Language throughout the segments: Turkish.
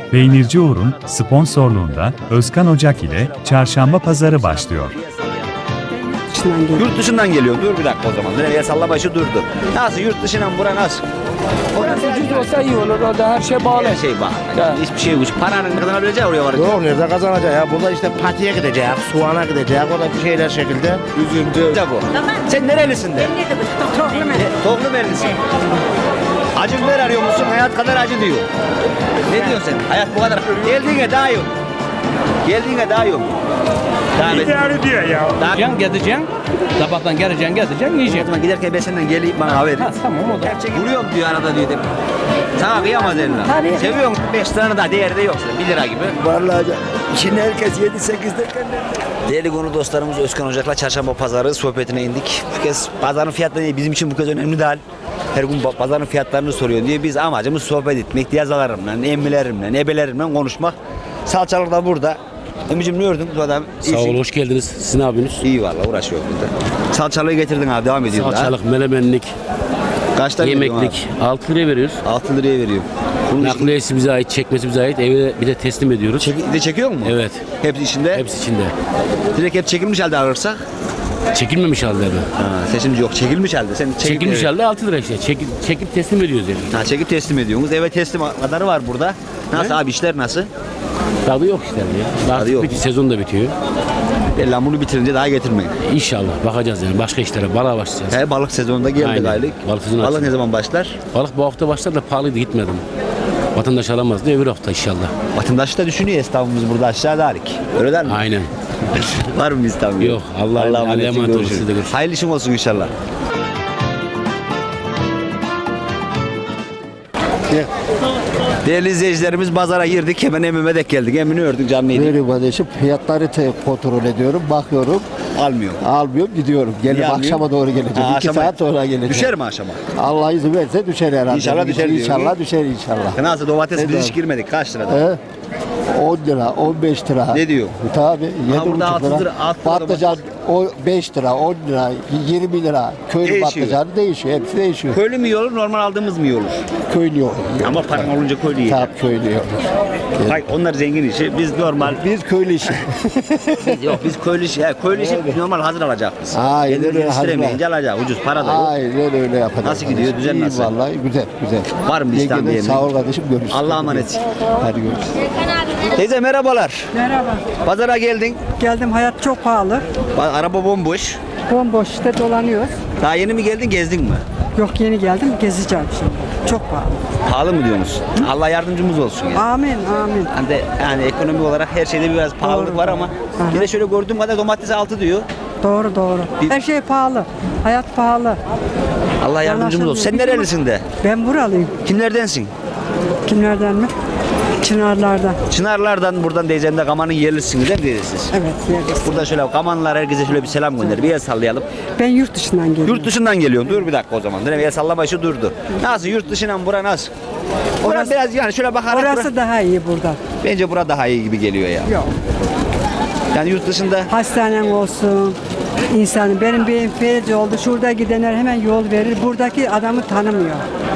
Peynirci Uğur'un sponsorluğunda Özkan Ocak ile Çarşamba Pazarı başlıyor. Yurt dışından geliyor. Dur bir dakika o zaman. Nereye salla başı durdu. Nasıl yurt dışından bura nasıl? Orası ucuz olsa iyi olur. Orada her şey bağlı. Her şey bak. Hiçbir şey yok. Paranın kazanabileceği oraya varacak. Yok nerede kazanacak ya? Burada işte patiye gidecek, soğana gidecek, o da bir şeyler şekilde. Üzüntü. Bu. Sen nerelisin de? Tohlumerlisin. Acı biber arıyor musun? Hayat kadar acı diyor. Ne diyorsun sen? Hayat bu kadar. Geldiğine daha yok. Geldiğine daha yok. İdare diyor ya. Gideceksin, gezeceksin. Sabahtan geleceksin, gezeceksin, O yiyeceksin. zaman giderken ben senden geleyim bana haber. Ha, tamam o da. Gerçek vuruyorum diyor arada diyor. Sana kıyamaz eline. Tabii. Seviyorum. 5 liranın da değeri de yok. 1 lira gibi. Vallahi şimdi herkes 7-8 derken Değerli konu dostlarımız Özkan Ocak'la Çarşamba Pazarı sohbetine indik. Bu kez pazarın fiyatları değil, bizim için bu kez önemli değil. Her gün pazarın fiyatlarını soruyor diye biz amacımız sohbet etmek, diyazalarımla, emmilerimle, ebelerimle konuşmak. Salçalar da burada. Emicim ne gördün bu adam? Sağ ol, hoş geldiniz. Sizin abiniz. İyi valla uğraşıyor burada. Salçalığı getirdin abi, devam ediyoruz. Salçalık, melemenlik, Kaçta yemeklik. 6 liraya veriyoruz. 6 liraya veriyor. Bunun Nakliyesi bize ait, çekmesi bize ait. Eve bir de teslim ediyoruz. de çekiyor mu? Evet. Hepsi içinde. Hepsi içinde. Direkt hep çekilmiş halde alırsak. Çekilmemiş halde mi? Seçimci yok. Çekilmiş halde. Sen Çekilmiş halde 6 lira işte. Çekip teslim ediyoruz yani. Ha, çekip teslim ediyorsunuz. Eve teslim kadarı var burada. Nasıl abi işler nasıl? Tadı yok işte ya. Artık yok. bitiyor, sezon da bitiyor. Lan bunu bitirince daha getirmeyin. İnşallah bakacağız yani. Başka işlere, balığa başlayacağız. He, balık sezonunda geldik Aynen. aylık. Balık sezonu Balık açıldı. ne zaman başlar? Balık bu hafta başlar da pahalıydı gitmedim. Vatandaş alamazdı öbür hafta inşallah. Vatandaş da düşünüyor esnafımız burada aşağıda halik. Öyle der mi? Aynen. Var mı İstanbul? Yok, Allah'a emanet olun, görüşürüz. siz de görüşürüz. Hayırlı işin olsun inşallah. Değerli izleyicilerimiz pazara girdik. Hemen Emim'e dek geldik. Emin'i ördük canlıydı. Böyle kardeşim fiyatları kontrol ediyorum, bakıyorum, Almıyor. almıyorum, gidiyorum. Gelip Niye almıyor? akşama doğru geleceğim. Ha, 2 akşama- saat sonra geleceğim. Düşer mi aşama? Allah izin verirse düşer herhalde. İnşallah düşer diyor. İnşallah düşer inşallah. Nasıl domates Ne biz hiç diyor? girmedik. Kaç lirada? He? 10 lira, 15 lira. Ne diyor? Tabii, burada 7,5 altı lira. lira, altı lira Patlıcan o 5 lira, 10 lira, 20 lira. Köylü Değişiyor. patlıcanı değişiyor, hepsi değişiyor. Köylü mü iyi olur, normal aldığımız mı iyi olur? Köylü yok. Ama paran olunca köylü iyi. Tabii köylü yok. Hayır, onlar zengin işi. Biz normal. Biz köylü işi. Yok biz köylü işi. Ya, köylü işi normal hazır alacak biz. Aynen Kendimiz öyle, hazır yetiştiremeyince alacak. Ucuz para da yok. Aynen öyle yapacağız. Nasıl gidiyor, düzen İyi nasıl? Vallahi güzel, güzel. Var mı bir İslam Yengeden diyelim? Sağ ol kardeşim, görüşürüz. Allah'a emanet. Hadi görüşürüz. Teyze merhabalar. Merhaba. Pazara geldin. Geldim, hayat çok pahalı. Araba bomboş. Bomboş işte dolanıyoruz. Daha yeni mi geldin, gezdin mi? Yok, yeni geldim, gezeceğim şimdi. Çok pahalı. Pahalı mı diyorsunuz? Allah yardımcımız olsun ya. Amin, amin. Yani ekonomi olarak her şeyde biraz pahalılık Doğru. var ama Aha. yine şöyle gördüğüm kadar domates 6 diyor. Doğru, doğru. Biz- Her şey pahalı. Hayat pahalı. Allah yardımcımız olsun. Sen Bizim- nerelisin de? Ben buralıyım. Kimlerdensin? Kimlerden mi? Çınarlardan. Çınarlardan buradan teyzemde Kaman'ın yerlisiniz değil mi teyze siz? Evet, yeriz. Burada şöyle Kamanlılar herkese şöyle bir selam gönder. Bir el sallayalım. Ben yurt dışından geliyorum. Yurt dışından geliyorum. Dur bir dakika o zaman. Bir el sallama şu durdu. Nasıl yurt dışından bura nasıl? Bura Orası- biraz yani şöyle bakarak Orası daha iyi burada. bence bura daha iyi gibi geliyor ya. Yok. Yani yurt dışında Hastanen olsun. İnsanın, benim bir felç oldu. Şurada gidenler hemen yol verir. Buradaki adamı tanımıyor.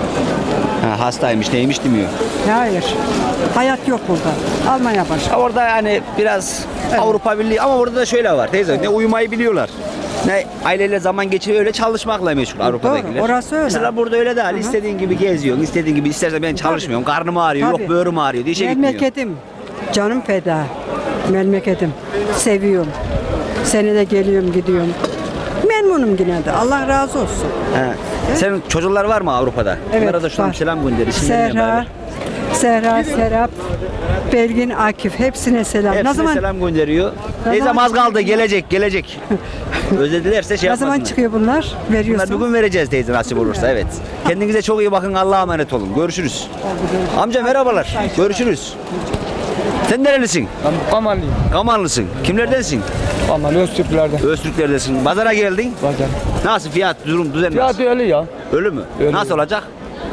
hastaymış neymiş demiyor. Hayır. Hayat yok burada. Almanya başka. Orada yani biraz Avrupa Birliği ama orada da şöyle var teyze ne uyumayı biliyorlar. Ne aileyle zaman geçiriyor öyle çalışmakla meşgul Avrupa'dakiler. orası öyle. Mesela burada öyle değil. İstediğin gibi geziyorsun. İstediğin gibi istersen ben çalışmıyorum. Karnım ağrıyor. Tabii. Yok böğrüm ağrıyor diye işe gitmiyor. Memleketim, canım feda. Memleketim, seviyorum. Senede geliyorum, gidiyorum. Memnunum yine de. Allah razı olsun. He. Senin çocuklar var mı Avrupa'da? Onlara da şuradan var. selam gönder. İsimleriyle beraber. Serra, Serap, Belgin, Akif. Hepsine selam. Hepsine ne zaman selam gönderiyor. Ne Teyzem zaman- az kaldı gelecek. Özledilerse şey ne zaman yapmasınlar. çıkıyor bunlar? Bunlar Veriyorsun. bugün vereceğiz teyze nasip olursa evet. Kendinize çok iyi bakın Allah'a emanet olun. Görüşürüz. Amca merhabalar. Görüşürüz. Sen nerelisin? Ben Kamanlıyım. Kamanlısın. Kimlerdensin? Kamanlı Öztürklerden. Öztürklerdesin. Pazara geldin. Pazar. Nasıl fiyat, durum, düzen Fiyat nasıl? öyle ya. Ölü mü? Öyle. Nasıl olacak? Ya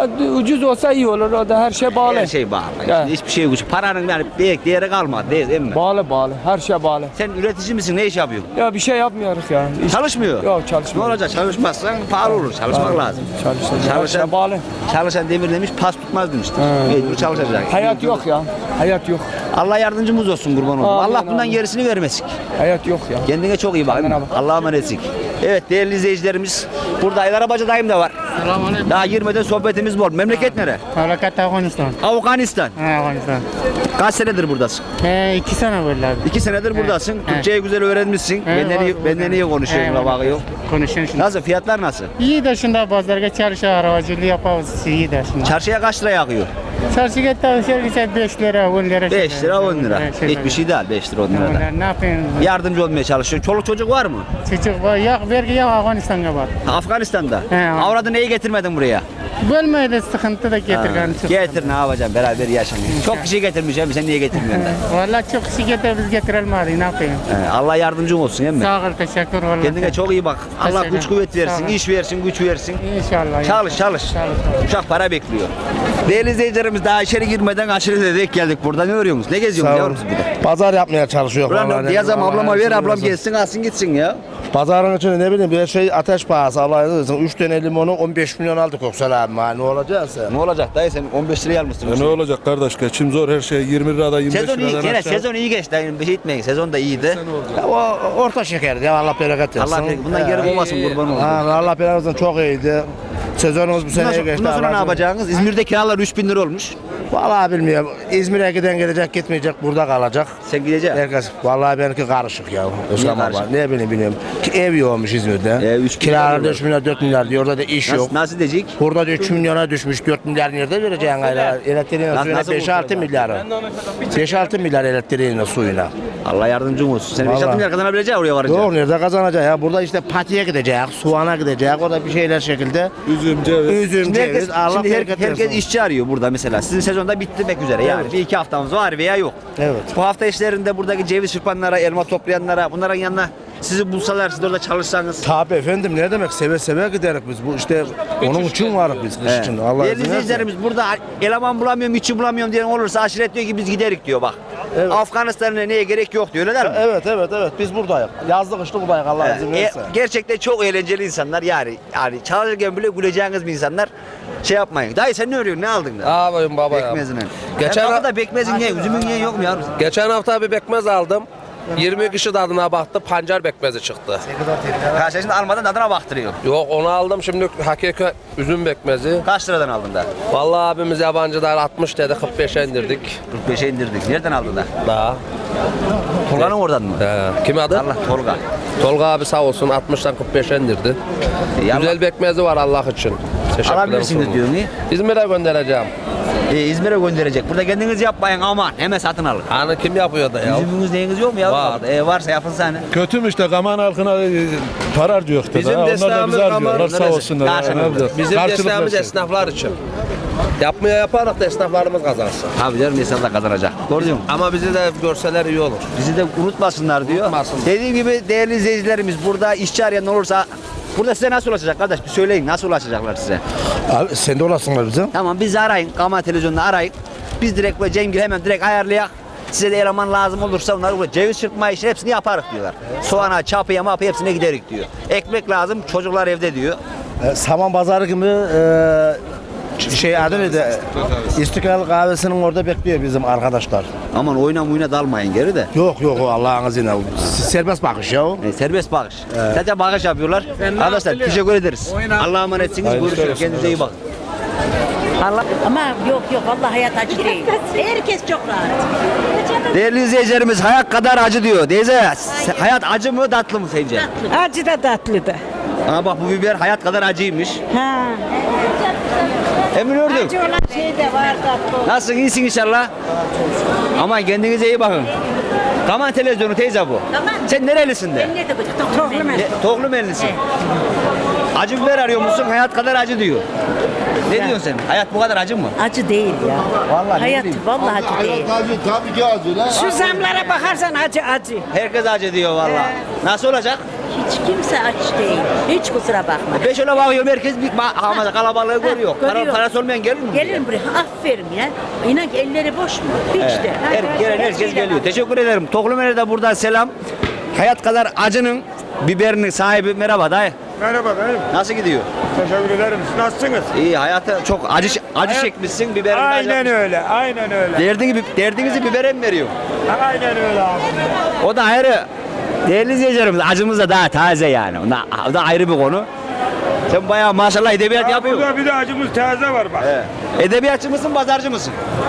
Ya ucuz olsa iyi olur. O da her şey bağlı. Her şey bağlı. Ya. Şimdi hiçbir şey yok. Paranın yani değeri kalmadı değil mi? Bağlı. Her şey bağlı. Sen üretici misin? Ne iş yapıyorsun? Ya bir şey yapmıyoruz ya. Çalışmıyor. Yok Ne çalışmıyor. olacak? Çalışmazsan pahalı olur. Çalışmak lazım. Her şey bağlı. Çalışan demir demiş, pas tutmaz demiştir. Mecbur çalışacak. Hayat yok ya. Hayat yok. Allah yardımcımız olsun kurban olsun. Amin, Allah bundan amin. gerisini vermesin. Hayat yok ya. Kendine çok iyi bak. Kendine bak. Allah'a emanetsin. Evet değerli izleyicilerimiz. Burada Aylar Abacı dayım da var. Selamünaleyküm. Daha girmeden sohbetimiz bol. Memleket nere? Memleket Afganistan. Afganistan. Afganistan. Kaç senedir buradasın? 2 sene böyle abi. 2 senedir buradasın. Türkçeyi güzel öğrenmişsin. Benden iyi konuşuyorsun. Bak yok. Konuşuyorsun şimdi. Nasıl? Fiyatlar nasıl? İyi de şimdi pazarga çalışıyor, arabacılığı yapıyoruz. İyi de şimdi. Çarşıya kaç liraya akıyor? Çarşıya çalışıyor 5 lira, 10 lira. 5 lira 10 lira. Hiçbir şey değil 5 lira 10 lira da. Ne yapayım? Yardımcı olmaya çalışıyorsun. Çoluk çocuk var mı? Çocuk var, yok vergi yok Afganistan'a var. Afganistan'da. He. Avradı neyi getirmedin buraya? Bölmeye de sıkıntı da getirgen. Getir ne yapacaksın beraber yaşamıyor. Çok kişi getirmiş hem sen niye getirmiyorsun da? Valla çok kişi getir, biz getirelim ne yapayım? Allah yardımcın olsun değil mi? Sağ ol, teşekkür valla. Kendine çok iyi bak. Allah Teşekkür güç kuvvet ederim. versin, Sağ ol. iş versin, güç versin. İnşallah. Çalış. Uşak para bekliyor. Değerli izleyicilerimiz daha içeri girmeden aşırı dedik geldik burada. Ne örüyorsunuz? Ne geziyorsunuz yavrum siz burada? Pazar yapmaya çalışıyor. Buranın diyazam ablama ver ablam gelsin alsın gitsin ya. Pazarın içinde ne bileyim bir şey ateş pahası Allah razı olsun. 3 tane limonu 15 milyon aldık Köksal abi. Ne olacaksa. Ne olacak dayı sen 15 liraya almışsın. Ne olacak kardeş? Geçim zor her şey 20 lirada 25 Sezon iyi, liradan gene aşağı. sezon iyi geçti dayı. Bir şey etmeyin. Sezon da iyiydi. Ya, o orta şekerdi ya Allah bereket versin. Allah bundan geri olmasın kurban olsun. Allah bereket versin çok iyiydi. Sezonumuz bu seneye geçti. Bundan sonra ne Allah'ım. yapacaksınız? İzmir'de kiralar 3000 lira olmuş. Vallahi bilmiyorum. İzmir'e giden gelecek gitmeyecek burada kalacak. Sen gideceksin. Herkes vallahi benimki karışık ya. Özlem karışık? baba. Ne bileyim bilmiyorum. Ev yokmuş İzmir'de. 3 Kiralar milyar 3 milyar 4 milyar diyor. Orada da iş yok. Nasıl diyecek? Burada da 3 milyona düşmüş. 4 milyar nerede vereceksin aylar? Elektriğine suyuna nasıl 5-6 milyarı. 5-6 milyar elektriğine suyuna. Allah yardımcın olsun. Sen 5 Vallahi. milyar kazanabileceksin oraya varınca. Doğru nerede kazanacak ya? Burada işte patiye gidecek, soğana gidecek. Orada bir şeyler şekilde. Üzüm, ceviz. Üzüm, Şimdi herkes, ceviz. Allah şimdi bereket herkes versin. işçi arıyor burada mesela. Sizin sezonda bitmek üzere. Yani bir iki haftamız var veya yok. Evet. Bu hafta işlerinde buradaki ceviz çırpanlara, elma toplayanlara, bunların yanına sizi bulsalar, siz de orada çalışsanız. Tabii efendim ne demek seve seve giderek biz bu işte onun için varız biz kış için. Allah Değerli izin versin. izleyicilerimiz burada eleman bulamıyorum, işçi bulamıyorum diyen olursa aşiret diyor ki biz giderik diyor bak. Evet. Afganistan'a neye gerek yok diyor öyle değil mi? Evet biz buradayız. Yazlık kışlık buradayız Allah izin verirse. Gerçekten çok eğlenceli insanlar yani çalışırken bile güleceğiniz bir insanlar. Şey yapmayın. Dayı sen ne örüyorsun? Ne aldın da? Ağabeyim baba ya. Bekmezine. Geçen Geçen da bekmezin ye, üzümün ye yok mu yavrum? Geçen hafta bir bekmez aldım. 20 kişi tadına baktı, pancar bekmezi çıktı. Karşılaşında almadan tadına baktırıyor. Yok onu aldım şimdi hakiki üzüm bekmezi. Kaç liradan aldın da? Vallahi abimiz yabancılar 60 dedi 45'e indirdik. 45'e indirdik. Nereden aldın da? Daha. Tolga'nın oradan mı? Kim adı? Allah Tolga. Tolga abi sağ olsun 60'tan 45'e indirdi. Güzel bekmezi var Allah için. Teşekkür ederim. Alabilirsiniz diyor mu? İzmir'e göndereceğim. İzmir'e gönderecek. Burada kendiniz yapmayın aman. Hemen satın alın. Hani kim yapıyor da ya? Üzümünüz neyiniz yok mu ya? Var. Varsa yapılsa hani. Kötü mü işte Kaman halkına para harcıyor da. Bizim Onlar da desteğimiz bizi harcıyorlar Kaman- sağ olsunlar. Karşılıklı. Ne yapacağız? Bizim Karşılıklı desteğimiz şey. esnaflar için. Yapmaya yaparak da esnaflarımız kazansın. Tabii canım insanlar kazanacak. Doğru diyorum. Ama bizi de görseler iyi olur. Bizi de unutmasınlar diyor. Unutmasınlar. Dediğim gibi değerli izleyicilerimiz burada işçi arayan olursa burada size nasıl ulaşacak kardeş? Bir söyleyin nasıl ulaşacaklar size? Abi sen de olasınlar bize. Tamam bizi arayın. Kaman televizyonunu arayın. Biz direkt böyle Cemgil hemen direkt ayarlayak. Size de eleman lazım olursa onları burada ceviz çırpma işi hepsini yaparız diyorlar. Soğana, çapıya, mapıya hepsine giderik diyor. Ekmek lazım çocuklar evde diyor. Saman pazarı gibi şey adı neydi? İstiklal kahvesinin orada bekliyor bizim arkadaşlar. Aman oyuna dalmayın geri de. Yok o Allah'ın izniyle. Serbest bakış ya. Serbest bağış. Sadece bağış yapıyorlar. Arkadaşlar teşekkür ederiz. Allah'a emanetsiniz. Görüşürüz. Kendinize iyi bakın. Ama yok vallahi hayat acı değil. Herkes çok rahat. Değerli izleyicilerimiz hayat kadar acı diyor. Teyze hayat acı mı tatlı mı sence? Acı da tatlı da. Aa bak bu biber hayat kadar acıymış. Ha. Emin ördüm. Acı olan şey de var tatlı. Nasılsın iyisin inşallah? Aman kendinize iyi bakın. Kaman televizyonu teyze bu. Kaman. Sen nerelisin de? Ben nerede bu? Toplum ben. Tohlu Mellisin. Acı biber arıyor musun? Hayat kadar acı diyor. Ne diyorsun sen? Hayat bu kadar acı mı? Acı değil ya. Vallahi ne Hayat bileyim. vallahi acı değil. Tabii ki acı lan. Şu zamlara bakarsan acı. Herkes acı diyor vallahi. Nasıl olacak? hiç kimse aç değil. Hiç kusura bakma. Ben şöyle bakıyorum herkes bir ama kalabalığı görüyor. Görüyor. Parası olmayan gelir mi? Gelin buraya. Aferin ya. İnan ki elleri boş mu? Hiç de. Gelen herkes şeyle geliyor. bak. Teşekkür ederim. Toplum'a da buradan selam. Hayat kadar acının biberinin sahibi merhaba dayı. Merhaba dayım. Nasıl gidiyor? Teşekkür ederim. Siz nasılsınız? İyi hayata çok acı çekmişsin biberini. Aynen öyle. Aynen öyle. Derdinizi bibere mi veriyor? Aynen öyle abi. O da ayrı. Değerli izleyicilerimiz acımız da daha taze yani. O da ayrı bir konu. Sen bayağı maşallah edebiyat yapıyorsun. Burada bir de acımız taze var bak. Evet. Edebiyatçı mısın, pazarcı mısın?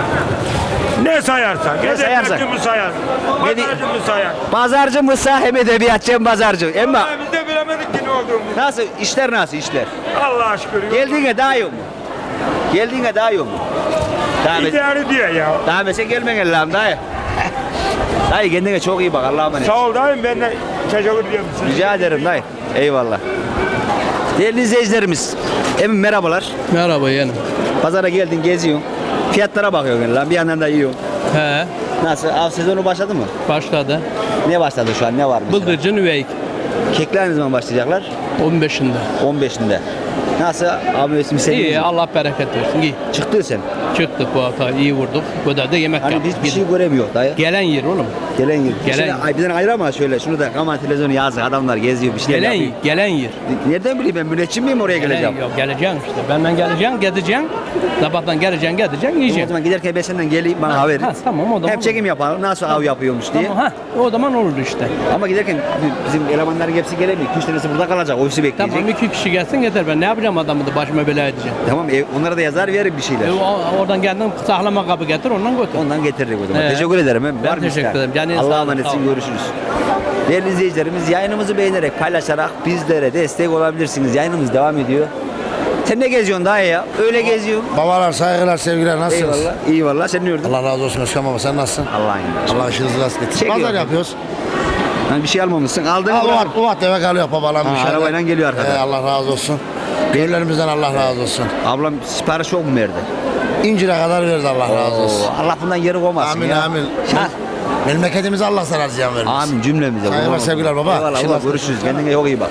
Ne sayarsan. Ne sayarsan. Edebiyatçı mı sayar? Ne di- Pazarcı mı sayar? Pazarcı mısın hem edebiyatçı hem pazarcı. Ama Vallahi biz de bilemedik ki ne olduğumuzu. nasıl işler nasıl işler? Allah'a şükür. Geldiğine daha yok mu? Geldiğine daha yok mu? İdare diyor ya. Daha mesela gelmen Allah'ım dayı. Dayı kendine çok iyi bak Allah'a emanet. Sağ ol dayım ben de teşekkür ediyorum size. Rica ederim dayı. Eyvallah. Değerli izleyicilerimiz, emin merhabalar. Merhaba yeğenim. Pazara geldin geziyorsun. Fiyatlara bakıyorsun lan bir yandan da yiyorsun. He, Nasıl? Av sezonu başladı mı? başladı. Ne başladı şu an? Ne var mesela? Bıldırcın üveyik. Kekler ne zaman başlayacaklar? 15'inde. 15'inde. Nasıl? Abi mevsimi seviyor İyi, musun? Allah bereket versin. İyi. Çıktı sen. Çıktık bu hafta, iyi vurduk. Bu da yemek Hani yaptık. biz bir şey göremiyor dayı. Gelen yer oğlum. Gelen yer. Gelen- Bizden ayırama şöyle. Şunu da kaman televizyonu yazdı. Adamlar geziyor bir şeyler Gelen yapıyor. gelen yer. Nereden bileyim ben müneccim miyim oraya geleceğim? Yok, geleceksin işte. Benden geleceksin, gideceksin. Sabahtan geleceksin, gideceksin, O yiyeceksin. zaman giderken ben senden geleyim bana haber. Ha, tamam, o zaman Hem çekim yapalım nasıl av yapıyormuş diye. Tamam, ha, o zaman olur işte. Ama giderken bizim elemanların hepsi gelemiyor. 2-3 tanesi burada kalacak. Ofisi bekleyecek. Tamam, 2 kişi gelsin yeter. Ben ne yapacağım adamı da başıma bela edeceğim. Tamam onlara da yazar veririm bir şeyler. Oradan geldin saklama kabı getir, ondan götür. Ondan getiririk o zaman. Evet. Teşekkür ederim. Ben Var mı teşekkür ister? ederim. Canınız sağ Allah'a olun, emanetsin. sağ olun. Görüşürüz. Değerli izleyicilerimiz yayınımızı beğenerek paylaşarak bizlere destek olabilirsiniz. Yayınımız devam ediyor. Sen ne geziyorsun daha ya? Öyle geziyorsun. Babalar, saygılar, sevgiler. Nasılsınız? Eyvallah. İyi valla. Sen ne yordun? Allah razı olsun Özkan baba. Sen nasılsın? Allah'ın yardımcısı. Allah işinizi rast etsin. Çekiyor. Pazar yapıyoruz. Hani bir şey almamışsın. Aldın mı? Ufak tefek alıyor babalar. Ha, arabayla geliyor arkadan. Allah razı olsun. Gönüllerimizden Allah razı olsun. Ablam sipariş çok mu verdi? İncire kadar verdi Allah razı olsun. Allah bundan geri koymasın Amin ya. amin. Ha. Memleketimize Allah zarar ziyan vermesin. Amin cümlemize. Saygılar, Kurban sevgiler olsun. baba. Eyvallah Şimdi baba. Görüşürüz. Kendine çok iyi bak.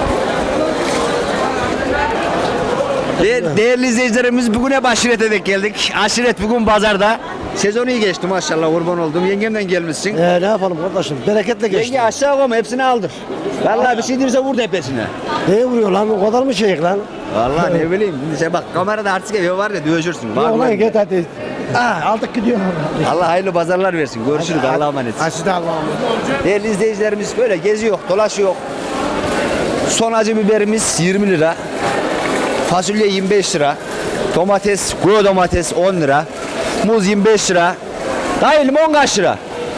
Değerli izleyicilerimiz bugüne aşirete denk geldik. Aşiret bugün pazarda. Sezon iyi geçti maşallah kurban oldum. Yengemden gelmişsin. Ne yapalım kardeşim? Bereketle geçti. Yenge aşağı koyma hepsini aldır. Vallahi bir şey değilse vur tepesine. Neye vuruyor lan? O kadar mı şeyik lan? Vallahi ne bileyim. Şimdi sen bak kamerada artık evi var ya dövüşürsün. Var mı? git hadi. Aldık gidiyor. Allah hayırlı pazarlar versin. Görüşürüz. Allah'a emanet. Siz de Allah'a emanet. Değerli izleyicilerimiz böyle geziyor, dolaşıyor. Son acı biberimiz 20 lira. Fasulye 25 lira. Domates, kuru domates 10 lira. Muz 25 lira. Dayı limon kaç lira?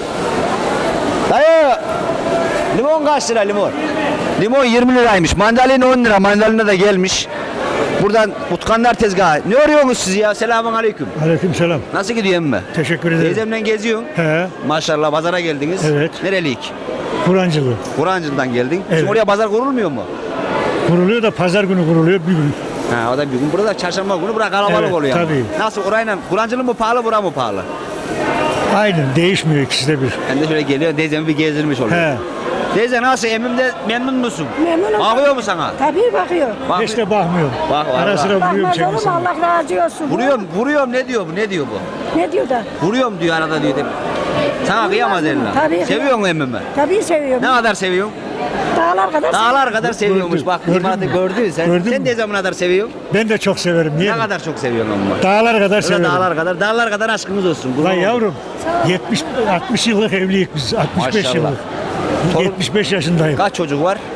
Dayı limon kaç lira limon? Limon 20 liraymış. Mandalina 10 lira. Mandalina da gelmiş. Buradan Utkanlar tezgahı. Ne arıyorsunuz siz ya? Selamun aleyküm. Aleykümselam. Nasıl gidiyor emme? Teşekkür ederim. Teyzemle geziyorsun. He. Maşallah pazara geldiniz. Evet. Nereliyik? Kur'ancılığı. Kur'ancı'dan geldin. Evet. Şimdi oraya pazar kurulmuyor mu? Kuruluyor da pazar günü kuruluyor bir gün. Ha o da bir gün. Burada çarşamba günü bura kalabalık Evet, oluyor. ama. tabii. Nasıl orayla Kur'ancılı mı pahalı bura mı pahalı? Aynen değişmiyor ikisi de bir. Ben de şöyle geliyor teyzemi bir gezdirmiş oluyor. He. Teyze nasıl emmimde memnun musun? Memnunum. Bakıyor mu sana? Tabii bakıyor. Bak, Hiç de bakmıyorum. Bak, Ara vallahi. sıra vuruyorum çekmesine. Allah razı olsun. vuruyorum ne diyor bu? Ne diyor bu? Ne diyor da? Vuruyorum diyor arada diyor. Sana kıyamaz eline. Tabii. Seviyor musun emmimi? Tabii seviyorum. Ne kadar seviyorsun? Dağlar kadar. Dağlar kadar seviyormuş. Gördüm. Bak Gördün limanı mü? gördün sen. Gördün Sen mü? de zaman kadar seviyorsun. Ben de çok severim. Niye? Ne kadar çok seviyorsun ama. Dağlar kadar Öyle severim. dağlar kadar aşkımız olsun. kurban Lan olayım. yavrum 60 yıllık evliyiz biz. 65 Maşallah. yıllık. Torun- 75 yaşındayım. Kaç çocuk var?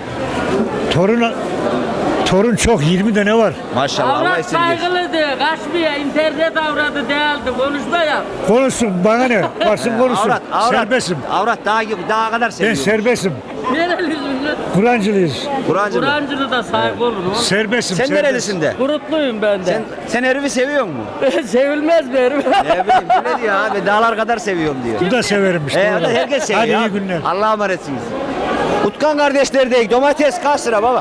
Torun çok 20 tane var. Maşallah Allah esirgesin. Saygılıdır, kaçmıyor, internet avradı değildi, konuşma ya. Konuşsun bana ne? Varsın konuşsun. Avrat. Serbestim. Avrat daha kadar Ben seviyorum. serbestim. Nerelisin? Kur'ancılıyız. Kur'ancılı. Kur'ancılı da saygı olur mu? Serbestim. Sen serbest. nerelisin de? Kurutluyum ben de. Sen herifi seviyor mu? Sevilmez mi herif? Ne bileyim bu ne diyor abi dağlar kadar seviyorum diyor. Bu da severim işte. O da herkes seviyor. Hadi iyi abi. günler. Allah'a emanetsiniz. Utkan kardeşler değil. Domates kaç lira baba?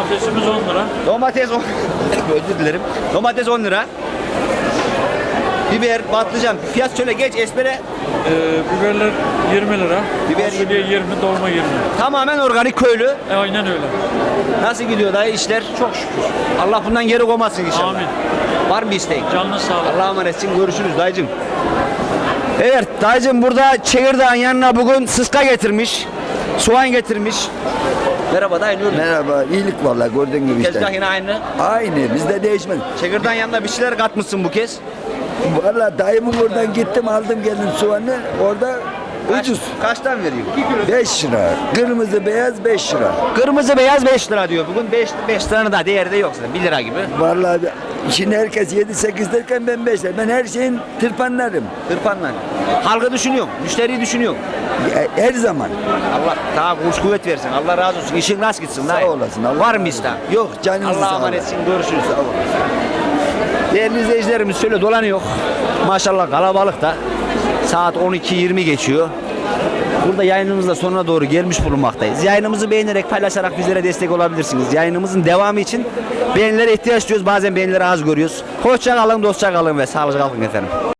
Domatesimiz 10 lira. Domates 10 Özür dilerim. Domates 10 lira. Biber, patlıcan. Fiyat söyle geç espere. Biberler 20 lira. Biber Fasulye 20, dolma 20. Tamamen organik köylü. Aynen öyle. Nasıl gidiyor dayı işler? Çok şükür. Allah bundan geri koymasın inşallah. Amin. Var mı isteğin? Canlı sağlık. Allah'a emanetsin. Görüşürüz dayıcım. Evet dayıcım burada çekirdağın yanına bugün sıska getirmiş. Soğan getirmiş. Merhaba dayı ne oluyor? Merhaba, iyilik vallahi gördüğün gibi Tezgah işte. yine aynı. Aynı, bizde değişmez. Çekirdağın yanına bir şeyler katmışsın bu kez. Vallahi dayımın oradan gittim aldım geldim soğanı, orada ucuz. Kaçtan veriyor? 5 lira, kırmızı beyaz 5 lira. Kırmızı beyaz 5 lira diyor. Bugün 5 liranın da değeri de yok zaten. 1 lira gibi. Vallahi şimdi herkes 7-8 derken ben 5 lira. Ben her şeyin tırpanlarım. Tırpanla. Halkı düşünüyorum. Müşteriyi düşünüyorum. Her zaman. Allah daha kuş kuvvet versin. Allah razı olsun. İşin rast gitsin. Sağ dayı. olasın. Allah Var mı isteğin? Yok canınızı Allah'a sağ olasın. emanetsin. Görüşürüz. Değerli izleyicilerimiz şöyle dolanıyor. Maşallah kalabalık da. Saat 12:20 geçiyor. Burada yayınımız da sonuna doğru gelmiş bulunmaktayız. Yayınımızı beğenerek paylaşarak bizlere destek olabilirsiniz. Yayınımızın devamı için beğenilere ihtiyaç duyuyoruz. Bazen beğenileri az görüyoruz. Hoşça kalın, dostça kalın ve sağlıcakla kalın efendim.